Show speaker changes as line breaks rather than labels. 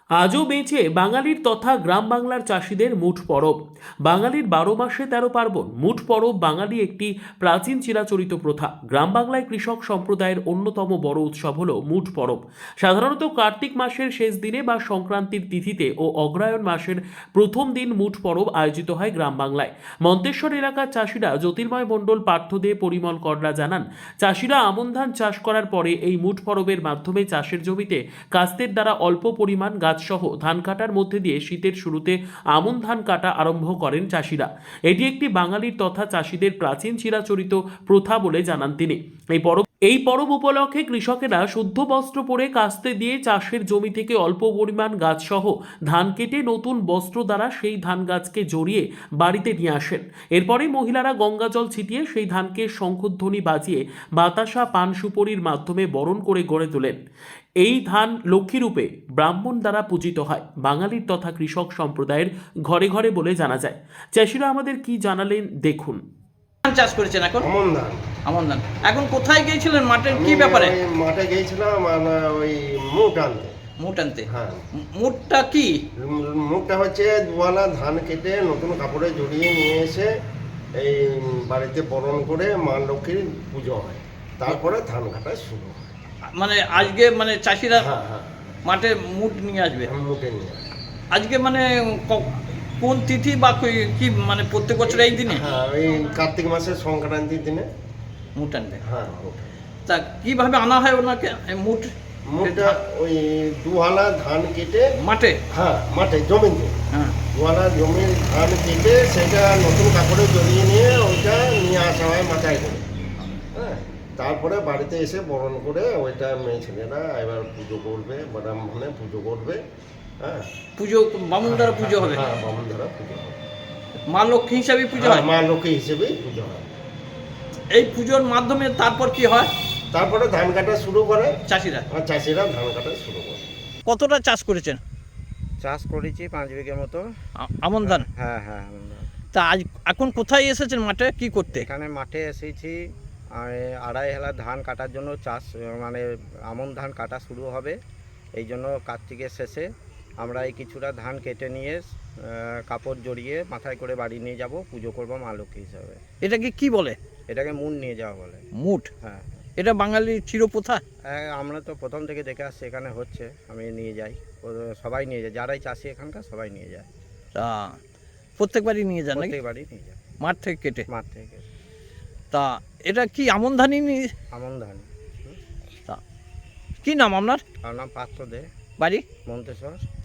আজও বেঁচে বাঙালির তথা গ্রাম বাংলার চাষিদের মুঠ পরব। বাঙালির ১২ মাসে ১৩ পার্বণ। মুঠ পরব বাঙালি একটি প্রাচীন চিরাচরিত প্রথা। গ্রাম বাংলায় কৃষক সম্প্রদায়ের অন্যতম বড় উৎসব হল মুঠ পরব। সাধারণত কার্তিক মাসের শেষ দিনে বা সংক্রান্তির তিথিতে ও অগ্রহায়ণ মাসের প্রথম দিন মুঠ পরব আয়োজিত হয় গ্রাম বাংলায়। মন্তেশ্বর এলাকার চাষিরা জ্যোতির্ময় মণ্ডল, পার্থ দে, পরিমল কররা জানান, চাষিরা আমন ধান চাষ করার পরে এই মুঠ পরবের মাধ্যমে চাষের জমিতে কাস্তের দ্বারা অল্প পরিমাণ গাছ সহ ধান কাটার মধ্যে দিয়ে শীতের শুরুতে আমন ধান কাটা আরম্ভ করেন চাষিরা। এটি একটি বাঙালির তথা চাষিদের প্রাচীন চিরাচরিত প্রথা বলে জানান তিনি। এই পরব উপলক্ষে কৃষকেরা শুদ্ধ বস্ত্র পরে কাস্তে দিয়ে চাষের জমি থেকে অল্প পরিমাণ গাছ সহ ধান কেটে নতুন বস্ত্র দ্বারা সেই ধান গাছকে জড়িয়ে বাড়িতে নিয়ে আসেন। এরপরে মহিলারা গঙ্গা জল ছিটিয়ে সেই ধানকে শঙ্খধ্বনি বাজিয়ে বাতাসা, পান সুপরির মাধ্যমে বরণ করে গড়ে তোলেন। এই ধান লক্ষ্মীরূপে ব্রাহ্মণ দ্বারা পূজিত হয় বাঙালির তথা কৃষক সম্প্রদায়ের ঘরে ঘরে বলে জানা যায়। চাষিরা আমাদের কি জানালেন দেখুন।
ধান চাষ করেছেন এখন?
আমন ধান।
আমন ধান। এখন কোথায় গিয়েছিলেন? মাঠের কি ব্যাপারে?
মাঠে গিয়েছিলাম ওই মুগ আনতে।
মুট আনতে?
হ্যাঁ।
মুটটা কি?
মুগটা হচ্ছে দুয়ালা ধান কেটে নতুন কাপড়ে জড়িয়ে নিয়ে এসে এই বাড়িতে বরণ করে মা লক্ষ্মীর পুজো হয়, তারপরে ধান কাটা শুরু হয়।
মানে আজকে মানে চাষিরা
হ্যাঁ হ্যাঁ,
মাঠে মুট নিয়ে আসবে
মুখে নিয়ে আসে।
আজকে মানে কোন তিথি বা কি মানে প্রত্যেক বছর এই দিনে?
হ্যাঁ, ওই কার্তিক মাসের সংক্রান্তির দিনে
মুট আনবে।
হ্যাঁ।
তা কিভাবে আনা হয় ওনাকে মুট?
মুগটা ওই দুহালা ধান কেটে
মাঠে?
হ্যাঁ মাঠে জমিতে
হ্যাঁ।
দুয়ালা জমির ধান কেটে সেটা নতুন কাপড়ে জড়িয়ে নিয়ে ওইটা নিয়ে আসা হয় মাথায় করে। হ্যাঁ, তারপরে বাড়িতে এসে বরণ করে ওইটা মেয়ে ছেলেরা এবার পুজো করবে, ব্রাহ্মণে পুজো করবে। হ্যাঁ,
পুজো বামুন দ্বারা পুজো হবে?
হ্যাঁ, বামুন দ্বারা পুজো হবে।
মা লক্ষ্মী হিসাবে পুজো
হ্যাঁ,
হয়?
মা লক্ষ্মী হিসেবেই পুজো হয়।
এই পুজোর মাধ্যমে তারপর কি হয়?
তারপরে ধান কাটা শুরু করে
চাষিরা?
আর চাষিরা ধান কাটা শুরু করে।
কতটা চাষ করেছেন?
চাষ করেছি 5 বিঘে মতো।
আমন ধান?
হ্যাঁ হ্যাঁ, আমন ধান।
তা আজ এখন কোথায় এসেছেন? মাঠে কি করতে?
এখানে মাঠে এসেছি, আড়াই হেলা ধান কাটার জন্য। চাষ মানে আমন ধান কাটা শুরু হবে, এই জন্য কার্তিকের শেষে আমরা এই কিছুটা ধান কেটে নিয়ে কাপড় জড়িয়ে মাথায় করে বাড়ি নিয়ে যাব, পুজো করবো মা লক্ষ্মী হিসাবে।
এটাকে কি বলে?
এটাকে মুন নিয়ে যাওয়া বলে।
মুট?
হ্যাঁ।
এটা বাঙালির চিরপ্রথা?
আমরা তো প্রথম থেকে দেখে আসছি, এখানে হচ্ছে, আমি নিয়ে যাই, সবাই নিয়ে যায়, যারাই চাষি এখানকার সবাই নিয়ে যায়।
তা প্রত্যেকবারই নিয়ে যান নাকি?
প্রত্যেক বাড়ি নিয়ে যায়,
মাঠ থেকে কেটে?
মাঠ থেকে।
তা এটা কি আমন ধানই
আমন ধান।
তা কি নাম আপনার?
আমার নাম পার্থ দে,
বাড়ি?
মন্তেশ্বর।